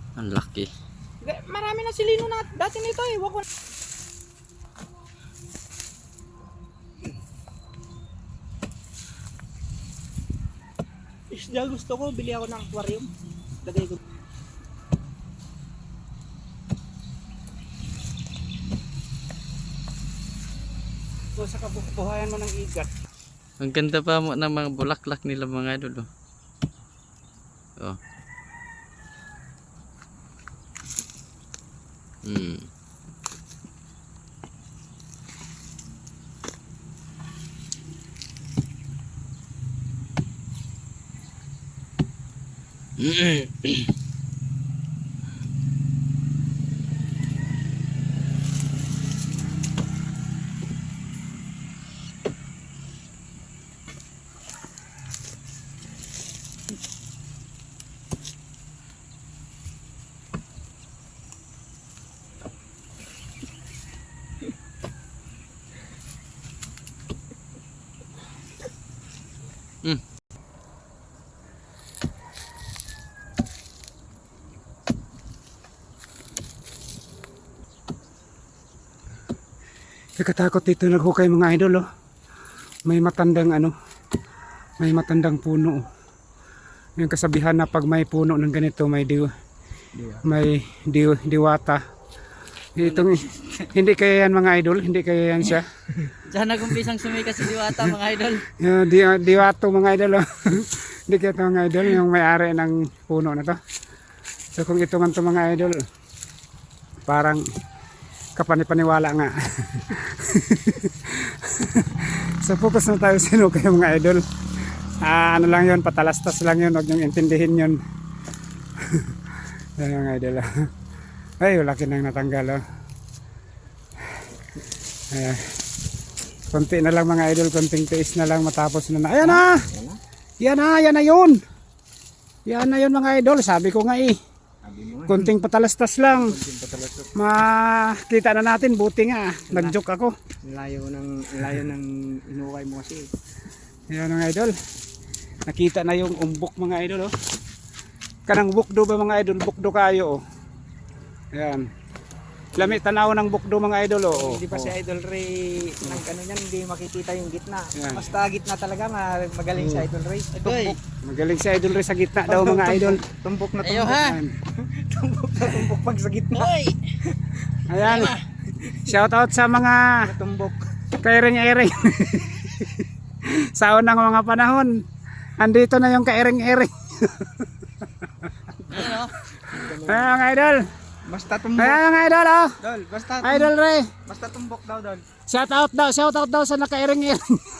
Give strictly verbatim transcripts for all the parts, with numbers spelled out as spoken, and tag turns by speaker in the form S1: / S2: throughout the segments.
S1: Ang laki.
S2: Marami na silino na dati nito eh. Wako. Isda gusto ko, bili ako ng aquarium. Lagay ko. So sa kabuhayan mo ng igat.
S1: Ang ganda pa mo ng mga bulaklak nila mga idol. Oh. Oh. Hmm. Mm.
S2: Nakatakot dito naghukay mga idol oh. May matandang ano, may matandang puno. Yung kasabihan na pag may puno ng ganito may diw, may diw, diwata. Itong, hindi kaya yan mga idol, hindi kaya yan siya.
S1: Diyan nagumpisang sumikas si Diwata mga idol.
S2: Uh, di, diwato mga idol oh. Hindi kaya ito mga idol, yung may-ari ng puno na to. So kung ito man ito mga idol, parang kapanipaniwala nga. So focus na tayo sinukay mga idol. Ah, ano lang yun, patalastas lang yun, huwag niyong intindihin yun. Yan mga idol. Ay, laki nang natanggal oh. Ayan. Konti na lang mga idol, konting tiis na lang matapos na na. Ayan na! Yan na, yan na yun! Yan na yun mga idol, sabi ko nga eh. Konting patalastas lang. Makita na natin, buti nga. Nag-joke ako.
S3: Layo ng layo ng inukay mo kasi.
S2: Yan mga idol. Nakita na yung umbok mga idol oh. Kanang bukdo ba mga idol, bukdo kayo oh. Ayan. Lami tanaw ng bukdo mga idol oh.
S3: Hindi pa si Idol Ray ng ano niyan, hindi makikita yung gitna.
S2: Yan.
S3: Basta gitna talaga, magaling si Idol Ray. Tumbok.
S2: Magaling si idol rin sa gitna daw mga idol.
S3: Tumbok na
S1: Ayo
S3: tumbok.
S1: ha.
S2: Ayan.
S3: Tumbok na tumbok pag sa gitna.
S2: Ayan. Shout out sa mga
S3: Tumbok.
S2: kairing-iring. Sa unang mga panahon, andito na yung kairing-iring.
S1: Ayan oh.
S2: Ayan mga idol.
S3: Basta tumbok.
S2: Ayan mga idol oh.
S3: Dol, basta
S2: Idol Ray.
S3: Basta tumbok daw, Dol.
S2: Shout out daw, shout out daw sa nakairing-iring.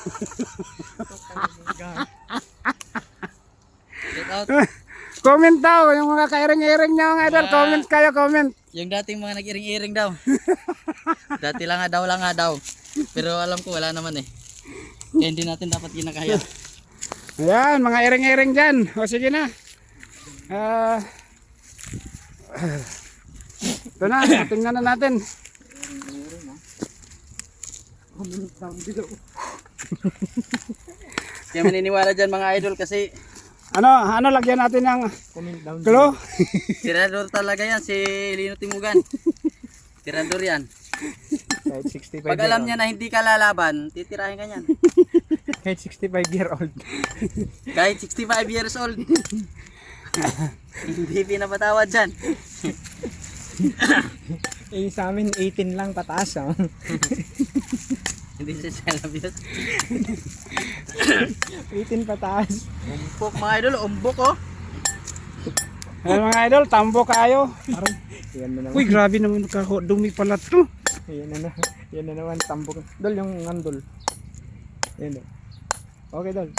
S1: Get out.
S2: Comment daw yung mga kairing-iring niya mga idol.
S1: Yeah.
S2: Comment kayo, comment.
S1: Yung dating mga nag-iring-iring daw. Dati lang nga daw, lang nga daw. Pero alam ko wala naman eh. Kaya hindi natin dapat ginakaya.
S2: Ayan, mga iring-iring dyan. O sige na. Ah, ito na, tingnan na natin.
S1: Kaya maniniwala dyan mga idol kasi
S2: Ano, ano lagyan natin ng
S3: Comment down.
S2: glow?
S1: tirador talaga yan si Lino Timugan. Tirador yan.
S3: Kahit sixty-five
S1: Pag alam niya na hindi ka lalaban, titirahin ka niyan.
S3: Kahit sixty-five year old.
S1: Kahit sixty-five years old. Hindi pinapatawad dyan.
S3: Eh sa amin eighteen lang pataas oh.
S1: Hindi siya salabios.
S3: eighteen pataas.
S1: Umbok mga idol, umbok oh.
S2: Ayan mga idol, tambo kayo.
S3: Parang yan na naman.
S2: Uy, grabe naman dumi pala to.
S3: Yan na, na, yan na naman tambok. Dol yung ngandol. Yan. Okay, Dol.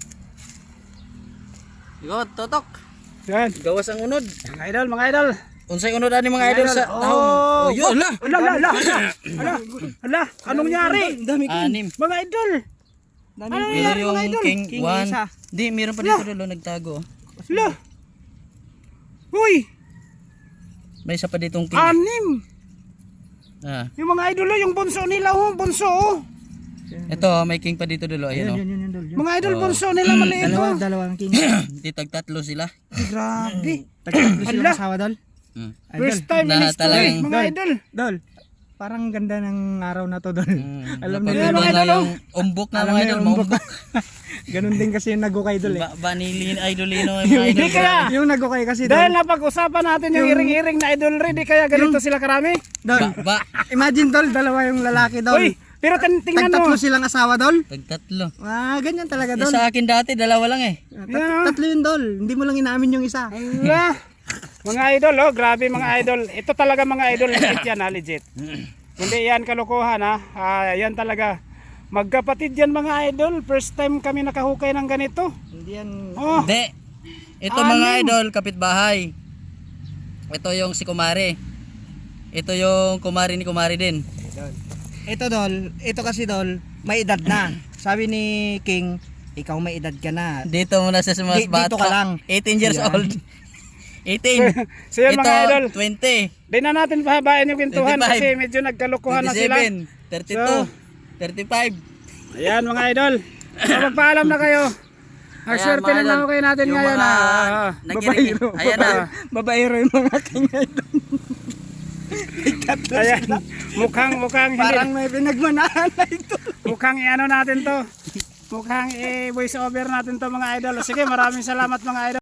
S1: Yo, totok.
S2: Yan.
S1: Gawas ang unod.
S2: Mga idol, mga idol.
S1: Unsay unod ani mga idol sa
S2: Oh,
S1: tahong. Oh, yun.
S2: Ala, ala, ala, ala. Ala, ala, anong nangyari?
S3: Dami
S1: Anim.
S2: Mga idol.
S3: Dami
S2: Ano
S1: Pero
S2: nangyari
S1: yung
S2: mga idol?
S1: king,
S3: King
S1: one.
S3: isa.
S1: Hindi, meron pa dito dulo nagtago.
S2: Ala. Uy,
S1: May isa pa ditong king.
S2: anim.
S1: Ah.
S2: Yung mga idol, oh, yung bunso nila, oh, bunso, oh.
S1: Ito, may king pa dito dulo, ayun oh.
S3: Yan, yan, yan, Dol. Yan.
S2: Mga idol, bunso nila maliit,
S3: Dalawa,
S2: oh.
S3: dalawang king.
S1: Di tag tatlo sila.
S2: Grabe.
S3: Tagtatlo
S2: Ala.
S3: silang asawa, Dol.
S1: Mm.
S2: First time in
S1: Na
S2: history,
S1: talagang-
S2: mga idol.
S3: Dol, parang ganda ng araw na to, Dol.
S1: Mm,
S3: Alam niyo
S1: napaganda
S3: yun,
S2: mga
S1: na
S2: idol,
S1: yung umbok na
S3: Alam
S1: mga
S3: mo
S1: idol,
S3: yung umbok.
S1: maumbok.
S3: Ganun din kasi yung nagukay, Dol eh.
S1: Ba banilin idolino yung mga idol.
S2: Hindi kaya.
S3: Yung nagukay kasi,
S2: Dahil
S3: Dol.
S2: napag-usapan natin yung iring-iring na idol ready kaya ganito sila karami.
S3: Dol,
S1: Ba, ba,
S3: imagine, Dol, dalawa yung lalaki, Dol.
S2: Uy, pero tin- tingnan mo.
S3: Tag-tatlo silang asawa, Dol.
S1: tagtatlo.
S3: Ah, ganyan talaga,
S1: Yung
S3: Dol.
S1: sa akin dati, dalawa lang eh.
S3: Tat-
S2: Yan, oh.
S3: tatlo yun, Dol. Hindi mo lang inaamin yung isa.
S2: Ala, mga idol, oh, grabe mga idol. Ito talaga mga idol, legit yan ha, legit. Hindi yan kalokohan ha. Ah, yan talaga. Magkapatid yan mga idol. First time kami nakahukay ng ganito.
S3: Hindi yan.
S2: Oh,
S1: Hindi. Ito
S2: Anim.
S1: mga idol, kapitbahay. Ito yung si Kumari. Ito yung Kumari ni Kumari din.
S3: Dol. Ito, Dol. Ito kasi, Dol, may edad na. Sabi ni King, ikaw may edad ka na.
S1: Dito muna sa mas
S3: Di-
S1: bata.
S3: dito ka lang.
S1: eighteen years
S3: Yan.
S1: old. eighteen.
S2: so yan
S1: Ito,
S2: mga idol.
S1: twenty.
S2: Di na natin pahabain yung kwentuhan
S1: twenty-five.
S2: kasi medyo nagkalokohan na sila.
S1: twenty-seven. thirty-two.
S2: So,
S1: thirty-five.
S2: Ayan mga idol. So, magpaalam na kayo. Ang
S1: Ayan,
S2: swerte
S1: mga
S2: ng
S1: idol.
S2: hukay natin
S1: Yung
S2: ngayon.
S1: mga
S2: ah.
S1: nagiring-
S2: Babaero.
S1: Ayan na.
S3: Babaero yung mga King, Idol.
S2: Ayan. Mukhang, mukhang, hindi,
S3: Parang may pinagmanahan na ito.
S2: mukhang i-ano natin to. Mukhang i-voice over natin to mga idol. Sige, maraming salamat mga idol.